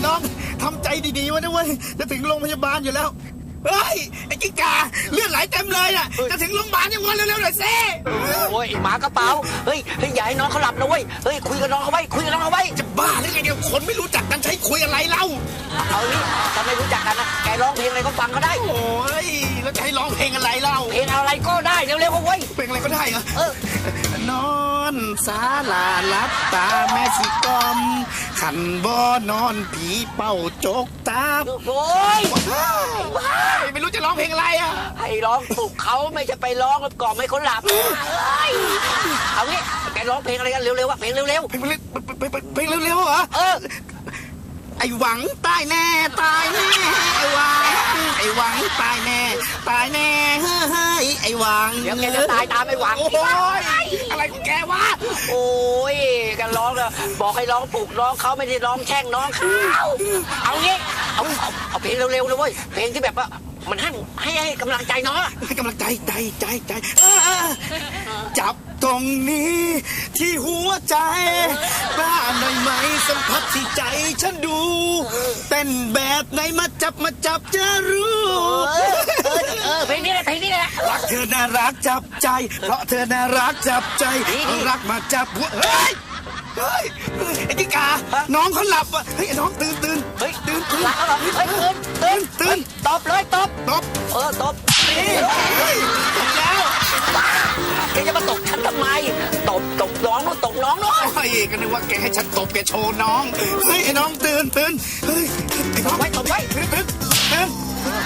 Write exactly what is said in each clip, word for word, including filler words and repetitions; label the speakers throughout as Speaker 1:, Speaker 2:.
Speaker 1: น้องทำใจดีๆไว้นะเว้ยจะถึงโรงพยาบาลอยู่แล้วเฮ้ยไอ้กิ๊กกาเลือดไหลเต็มเลยอ่ะจะถึงโรงพยาบาลยังวันเร็วๆหน่อยสิ
Speaker 2: โอ้ยหมากระเป๋าเฮ้ยเฮ้ยอย่าให้น้องเขาหลับนะเว้ยเฮ้ยคุยกับน้องเขาไว้คุยกับน้องเขาไว้
Speaker 1: จะบ้าหรือไงเดี๋ยวคนไม่รู้จักกันใช้คุยอะไรเล่า
Speaker 2: เอานี่ถ้าไม่รู้จักกันนะแกร้องเพลงอะไรก็ฟังก็ได้
Speaker 1: โอ้ยแล้วจะให้ร้องเพลงอะไรเล่า
Speaker 2: เพลงอะไรก็ได้เร็วๆก็เว้ย
Speaker 1: เพลงอะไรก็ได้เหรอ
Speaker 2: เอ
Speaker 1: อนอนศาลาลับตาแม่สิกอมขันบ่นอนผีเป่าโจกตา
Speaker 2: โอ้ย
Speaker 1: ไม่รู้จะร้องเพลงอะไรอ่ะ
Speaker 2: ให้ร้องปลุกเขาไม่ใช่ไปร้องกล่อมให้เขาหลับเอางี้แกร้องเพลงอะไรกันเร็วๆวะเพลงเร็วๆ
Speaker 1: เพลงเพลงเร็วๆเหรอ
Speaker 2: เออ
Speaker 1: ไอ้หวังตายแน่ตายแน่ไอ้หวังไอ้หวังตายแน่ตายแน่เฮ้ยไอ้หวัง
Speaker 2: เดี๋ยวแกจะตายตามไอ้หวัง
Speaker 1: โอ้ยอะไรของแกวะ
Speaker 2: โอ้ยกันร้องเลยบอกให้ร้องปลุกร้องเขาไม่ได้ร้องแช่งน้องเขาเอางี้เอาเอาเพลงเร็วๆเลยเว้ยเพลงที่แบบว่ามันให้ให้ให้กำลังใจน้อง
Speaker 1: ให้กำลังใจใจใจใจจับตรงนี้ที่หัวใจบ้าหน่อยไหมสัมผัสที่ใจฉันดูเต้นแบบไหนมาจับมาจับจะรู้
Speaker 2: เออเพลงนี้แหละเพลงนี้แหละ
Speaker 1: รักเธอน่ารักจับใจเพราะเธอน่ารักจับใจรักมาจับหัวเฮ้ยเฮ้ยไอ้กิ๊กกาน้องเขาหลับอ่ะเฮ้ยน้องตื่นตื่น
Speaker 2: เฮ้ย
Speaker 1: ตื่น
Speaker 2: ตื่นหลับแล้วเหรอเฮ้ยตื่นตื่นตื่นตบเลยตบ
Speaker 1: ตบ
Speaker 2: เออตบ
Speaker 1: เฮ้ยตบแล้ว
Speaker 2: แกจะมาตบฉันทำไมตบตบน้องตบน้องน้อง
Speaker 1: เฮ้ยก็นึกว่าแกให้ฉันตบแกโชว์น้องเฮ้ยไอ้น้องตื่นตื่นเฮ้ยไอ้น้อง
Speaker 2: ไว้ตบไว้
Speaker 1: ตื่นตื่นตื่น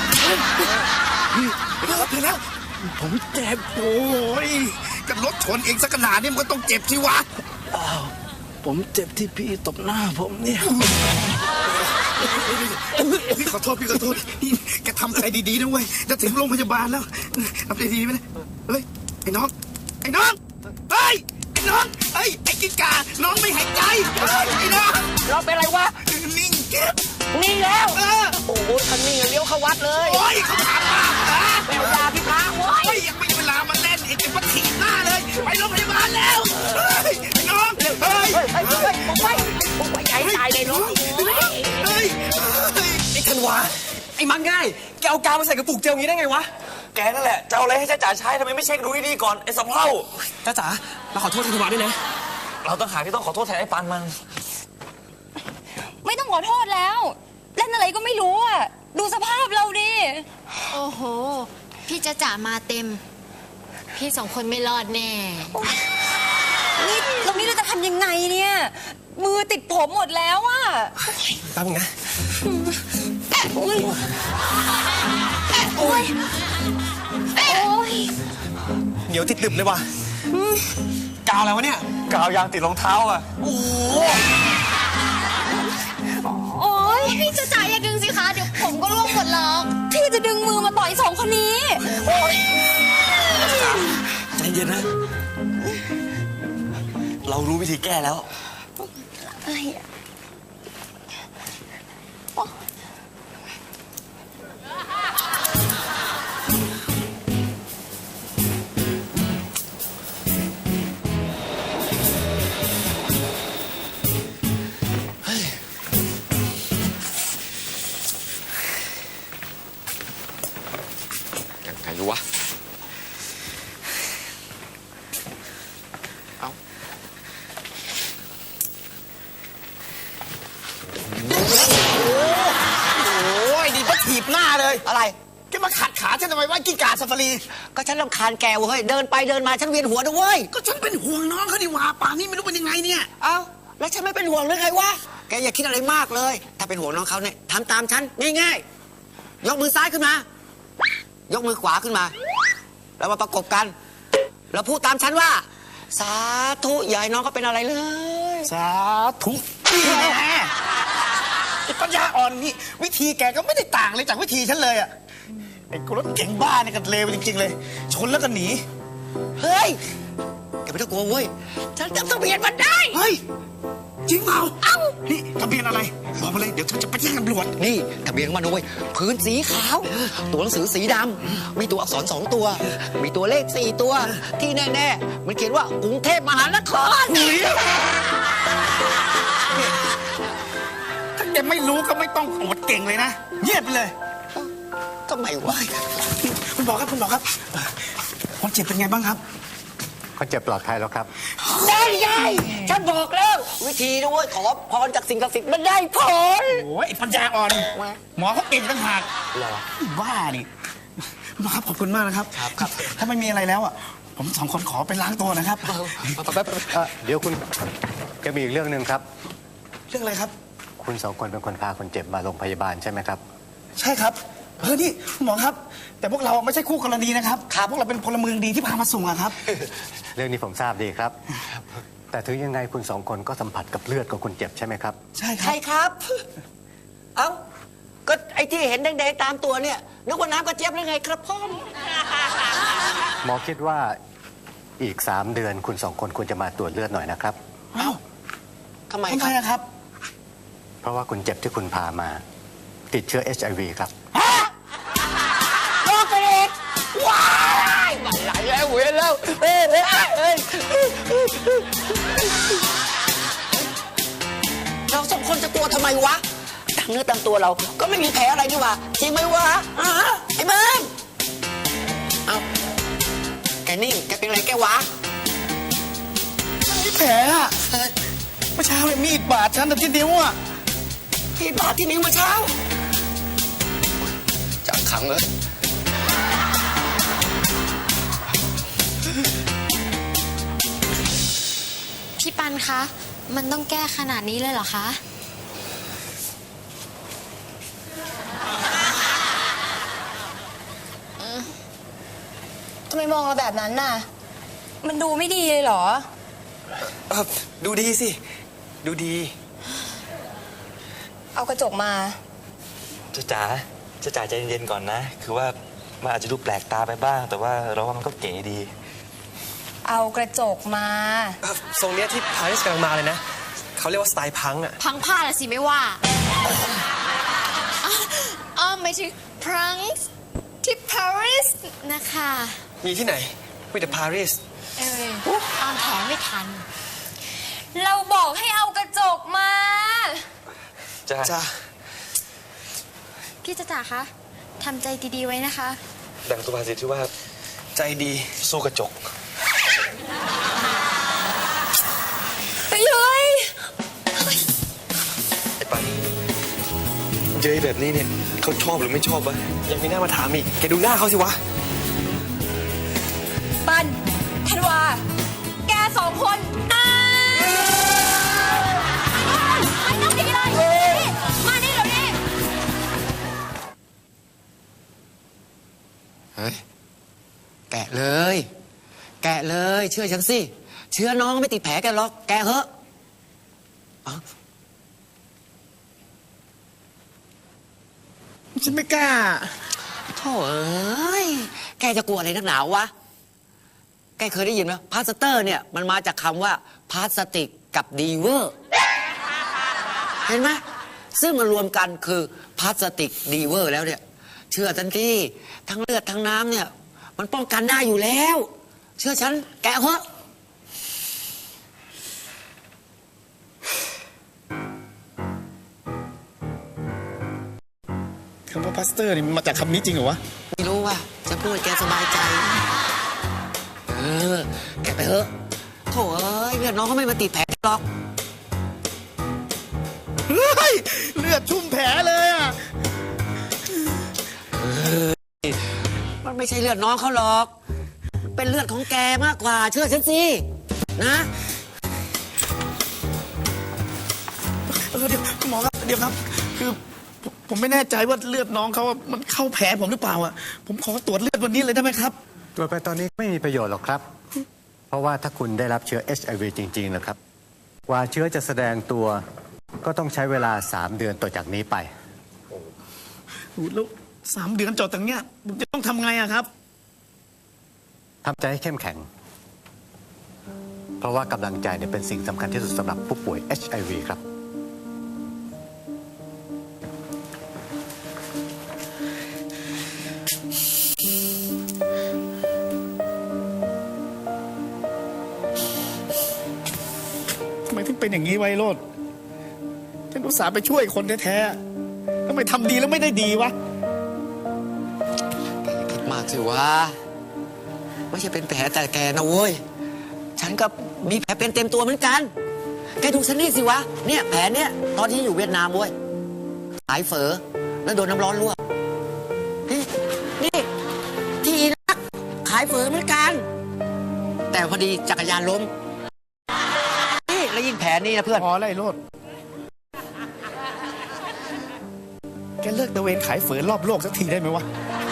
Speaker 1: ตื่นแล้วผมเจ็บโอ้ยกับรถชนเองสักขนาดนี้มันก็ต้องเจ็บสิวะ
Speaker 3: ผมเจ็บที่พี่ตบหน้าผมเนี่ย
Speaker 1: พี่ขอโทษพี่ขอโทษนี่แกทำใจดีๆนะเว้ยจะถึงโรงพยาบาลแล้วทำใจดีไหมนะเฮ้ยไอ้น้องไอ้น้องเฮ้ยไอ้น้องเฮ้ยไอ้กิ๊กกาน้องไม่หายใจไอ้น้อง
Speaker 2: เราเป็นอะไรวะ
Speaker 1: นิ่งเก็บ
Speaker 2: นิ่งแล้วโอ้โหคันนิ่งเลี้ยวเข้าวัดเลย
Speaker 1: โอ้ยเขาถามมา
Speaker 2: แมวยาพี่พระโว้ย
Speaker 1: ยังไม่ได้เวลามาเล่นไอ้เจ็บปะถีบหน้าเลยไปโรงพยาบาลแล้วไอ้น้องเฮ้ย
Speaker 2: เฮ้ยเฮ้ยเฮ้ยผมไปผมไปใหญ่ตายเลยน้อง
Speaker 1: เฮ้ย
Speaker 3: ไอ้ธันวาไอ้มักง่ายแกเอากาวมาใส่กระปุกเจลงี้ได้ไงวะแกนั่นแหละจะเอาอะไรให้จ้าจ๋าใช้ทำไมไม่เช็คดูดีๆก่อนไอ้สะเพร่าจ้าจ๋าเราขอโทษธันวาด้วยนะเราต้องหาที่ต้องขอโทษแทนไอ้ปานมัน
Speaker 4: ไม่ต้องขอโทษแล้วเล่นอะไรก็ไม่รู้อ่ะดูสภาพเราดิ
Speaker 5: โอ้โหพี่จะจ๋ามาเต็มพี่สองคนไม่รอดแน่
Speaker 4: นี่ตรงนี้เราจะทำยังไงเนี่ยมือติดผมหมดแล้วอ่ะ
Speaker 3: แป๊บนึงนะ
Speaker 4: โอ้ยโอ้ยโอ้ย
Speaker 3: เหนียวติดตึบเลยว่ะกาวอะไรวะเนี่ยกาวยางติดรองเท้าอ่ะโอ้
Speaker 4: โอ้ย
Speaker 5: พี่จะจ๋าอย่าดึงสิคะเดี๋ยวผมก็ร่วงหมดหรอก
Speaker 4: พี่จะดึงมือมาต่อยสองคนนี้โอ้ย
Speaker 3: ใจเย็นนะเรารู้วิธีแก้แล้ว
Speaker 4: อะไรอ่ะ
Speaker 2: ใครรู้วะเอา
Speaker 1: โอ้ยดีพัดถีบหน้าเลย
Speaker 2: อะไร
Speaker 1: แกมาขัดขาฉันทำไมว่ากิ้งก่าซาฟารี
Speaker 2: ก็ฉันรำคาญแกเว้ยเดินไปเดินมาฉันเวียนหัวด้วยเว้ย
Speaker 1: ก็ฉันเป็นห่วงน้องเขาดิว่าป่านนี้ไม่รู้เป็นยังไงเนี่ย
Speaker 2: เอ้าแล้วฉันไม่เป็นห่วงหรือไงวะแกอย่าคิดอะไรมากเลยถ้าเป็นห่วงน้องเขาเนี่ยทำตามฉันง่ายๆยกมือซ้ายขึ้นมายกมือขวาขึ้นมาแล้วมาประกบกันแล้วพูดตามฉันว่าสาธุอย่าให้น้องเขาเป็นอะไรเลย
Speaker 1: สาธุแน่ไอ้ปัญญาอ่อนนี่วิธีแกก็ไม่ได้ต่างเลยจากวิธีฉันเลยอ่ะไอ้รถเก่งบ้าเนี่ยกันเลวจริงๆเลยชนแล้วก็หนี
Speaker 2: เฮ้ยแกไม่ต้องกลัวเว้ยฉันจำทะเบียนมันได้
Speaker 1: เฮ้ยจริงเปล่าเอ้านี่ทะเบียนอะไรบอกมาเลยเดี๋ยวฉันจะไปแจ้งตำรวจ
Speaker 2: นี่ทะเบียนมันด้วยพื้นสีขาวตัวหนังสือสีดำมีตัวอักษรสองตัวมีตัวเลขสี่ตัวที่แน่ๆมันเขียนว่ากรุงเทพมหานคร
Speaker 1: ถ้าแกไม่รู้ก็ไม่ต้องอวดเก่งเลยนะเงียบไปเลย
Speaker 2: ทำไมวะ
Speaker 1: คุณหมอครับคุณหมอครับคนเจ็บเป็นไงบ้างครับ
Speaker 6: คนเจ็บปลอดภัยแล้วครับ
Speaker 2: ได้ไงฉันบอกแล้ว วิธีด้วยขอพรจากสิ่งศักดิ์สิทธิ์มันได้ผล
Speaker 1: โอ้ยไอ้ปัญญาอ่อน หมอเขาเก่งต่างหาก
Speaker 2: เหรอ
Speaker 1: บ้าดิคุณหมอครับขอบคุณมากนะครับ
Speaker 2: ครับครับ
Speaker 1: ถ้าไม่มีอะไรแล้วอ่ะผมสองคนขอไปล้างตัวนะครับ
Speaker 6: เอ่อเดี๋ยวคุณจะมีอีกเรื่องหนึ่งครับ
Speaker 1: เรื่องอะไรครับ
Speaker 6: คุณสองคนเป็นคนพาคนเจ็บมาโรงพยาบาลใช่ไหมครับ
Speaker 1: ใช่ครับเออนี่คุณหมอครับ แต่พวกเราไม่ใช่คู่กรณีนะครับพวกเราเป็นพลเมืองดีที่พามาส่งอะครับ
Speaker 6: เรื่องนี้ผมทราบดีครับ แต่ถึงยังไงคุณสองคนก็สัมผัสกับเลือดของคนเจ็บใช่ไหมครับ
Speaker 1: ใช่ครั
Speaker 2: ใช่
Speaker 1: บ
Speaker 2: ครับ เอ้า ก็ไอ้ที่เห็นแดงๆตามตัวเนี่ยนึกว่าน้ำกระเจี๊ยบหรือไงครับพ่อ
Speaker 6: หมอคิดว่าอีกสามเดือนคุณสองคนควรจะมาตรวจเลือดหน่อยนะครับ
Speaker 1: เอ้า
Speaker 2: ทำไม
Speaker 1: ทำ
Speaker 2: ค
Speaker 1: ไม
Speaker 2: รับ
Speaker 1: อะครับ
Speaker 6: เพราะว่าคนเจ็บที่คุณพามา ติดเชื้อ เอช ไอ วี ครับ
Speaker 2: โรคกระเด็กว้ายมันไหลแล้วเวียนแล้วเอ้ยเอ้ยเอ้ยเราสองคนจะกลัวทำไมวะตามเนื้อตามตัวเราก็ไม่มีแผลอะไรนี่หว่าจริงไหมวะอ่าไอ้เบิ้มเอาแกนิ่งแกเป็นอะไรแกวะ
Speaker 1: มีแผลอะเมื่อเช้าเนี่ยมีดบาดฉันแต่ที่นิ้วอะ
Speaker 2: ที่บาดที่นิ้วเมื่อเช้า
Speaker 1: จับขังเลย
Speaker 5: พี่ปันคะ มันต้องแก้ขนาดนี้เลยเหรอคะ
Speaker 4: ทำไมมองเราแบบนั้นน่ะ มันดูไม่ดีเลยเหรอ
Speaker 3: เออดูดีสิ ดูดี
Speaker 4: เอากระจกมา
Speaker 3: จ้าจ๋าจ้าจ๋าใจเย็นๆก่อนนะ คือว่ามันอาจจะดูแปลกตาไปบ้าง แต่ว่าเราว่ามันก็เก๋ดี
Speaker 4: เอากระจกมา
Speaker 3: ทรงเนี้ยที่พาริสกำลังมาเลยนะ เขาเรียกว่าสไตล์พังอะ
Speaker 5: พังผ้าละสิไม่ว่าอ๋อไม่ใช่พรังที่ปารีสนะคะ
Speaker 3: มีที่ไหนมีแต่ปารีส
Speaker 5: เออตอนแถมไม่ทัน เราบอกให้เอากระจกมา
Speaker 3: จ้า
Speaker 1: จ้า
Speaker 5: พี่จ๊ะจ๋าคะทำใจดีๆไว้นะคะ
Speaker 3: ดังสุภาษิตที่ว่าใจดีสู้กระจก
Speaker 4: ไปเลย
Speaker 3: ไอ้ปันเจอแบบนี้เนี่ยเขาชอบหรือไม่ชอบวะยังมีหน้ามาถามอีกแกดูหน้าเขาสิวะ
Speaker 4: ปันธันวา แกสองคนตายไม่ต้องดีเลยนี่มานี่เดี๋ยวนี้
Speaker 2: เฮ้ย แกะเลย แกะเลย เชื่อฉันสิ เชื้อน้องไม่ติดแผลแกหรอก แกะเหอะเอา
Speaker 1: ฉันไม่กล้า
Speaker 2: โถ่เอ้ย แกจะกลัวอะไรนักหนาวะ แกเคยได้ยินไหมพลาสเตอร์เนี่ย มันมาจากคำว่าพลาสติกกับดีเวอร์ เห็นไหมซึ่งมันรวมกันคือพลาสติกดีเวอร์แล้วเนี่ย เชื่อฉันที่ทั้งเลือดทั้งน้ำเนี่ย มันป้องกันได้อยู่แล้ว เชื่อฉัน แกะเหอะ
Speaker 1: คำว่าพาสเตอร์นี่มันมาจากคำนี้จริงเหรอวะ
Speaker 2: ไม่รู้ว่าจะพูดให้แกสบายใจ เออ แกไปเถอะโถ่เอ้ยเลือดน้องเขาไม่มาติดแผลหรอก
Speaker 1: เฮ้ย เลือดชุ่มแผลเลยอะ
Speaker 2: มันไม่ใช่เลือดน้องเขาหรอก เป็นเลือดของแกมากกว่า เชื่อฉันสิ นะ
Speaker 1: เออเดี๋ยวคุณหมอครับเดี๋ยวครับ คือผมผมไม่แน่ใจว่าเลือดน้องเขาอะมันเข้าแผลผมหรือเปล่าอ่ะผมขอตรวจเลือดวันนี้เลยได้ไหมครับ
Speaker 6: ตรวจไปตอนนี้ไม่มีประโยชน์หรอกครับ เพราะว่าถ้าคุณได้รับเชื้อ เอช ไอ วี จริงๆนะครับ กว่าเชื้อจะแสดงตัว ก็ต้องใช้เวลาสามเดือนต่อจากนี้ไป
Speaker 1: โอ้โหแล้วสามเดือนจอดตรงเนี้ยผมจะต้องทำไงอะครับ
Speaker 6: ทำใจให้เข้มแข็ง เพราะว่ากำลังใจเนี่ยเป็นสิ่งสำคัญที่สุดสำหรับผู้ป่วย เอช ไอ วี ครับ
Speaker 1: ทำไมถึงเป็นอย่างนี้ไวโรดทฉันอุตส่าห์ไปช่วยคนแท้ๆทำไมทำดีแล้วไม่ได้ดีวะ
Speaker 2: แกอย่าคิดมากสิวะไม่ใช่เป็นแผลแต่แกนะเว้ย ฉันก็มีแผลเป็นเต็มตัวเหมือนกัน แกดูฉันนี่สิวะ เนี่ยแผลเนี่ยตอนที่อยู่เวียดนามเว้ย ขายเฝอแล้วโดนน้ำร้อนลวก นี่นี่ที่อิรักขายเฝอเหมือนกัน แต่พอดีจักรยานล้ม นี่แล้วยิ่งแผลนี่นะเพื่อน
Speaker 1: พอแล้วไอ้โรดแกเลิกตะเวนขายเฝอรอบโลกสักทีได้ไหมวะ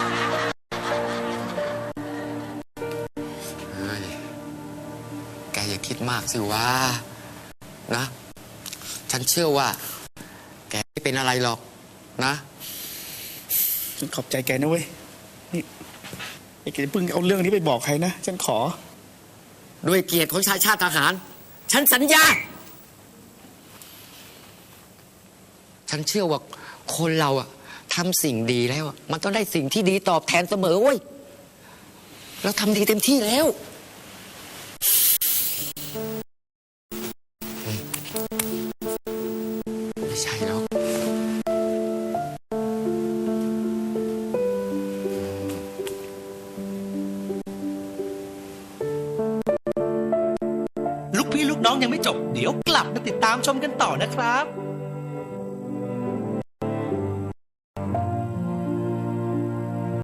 Speaker 2: เฮ้ย แกอย่าคิดมากสิวะนะ ฉันเชื่อว่า แกไม่เป็นอะไรหรอกนะ
Speaker 1: ฉันขอบใจแกนะเว้ย นี่ไอ้แกเพิ่งเอาเรื่องนี้ไปบอกใครนะ ฉันขอ
Speaker 2: ด้วยเกียรติของชายชาติทหาร ฉันสัญญา ฉันเชื่อว่าคนเราอะทำสิ่งดีแล้วอะมันต้องได้สิ่งที่ดีตอบแทนเสมอเว้ย เราทำดีเต็มที่แล้วไม่ใช่หรอก
Speaker 7: ลูกพี่ลูกน้องยังไม่จบ เดี๋ยวกลับมาติดตามชมกันต่อนะครับ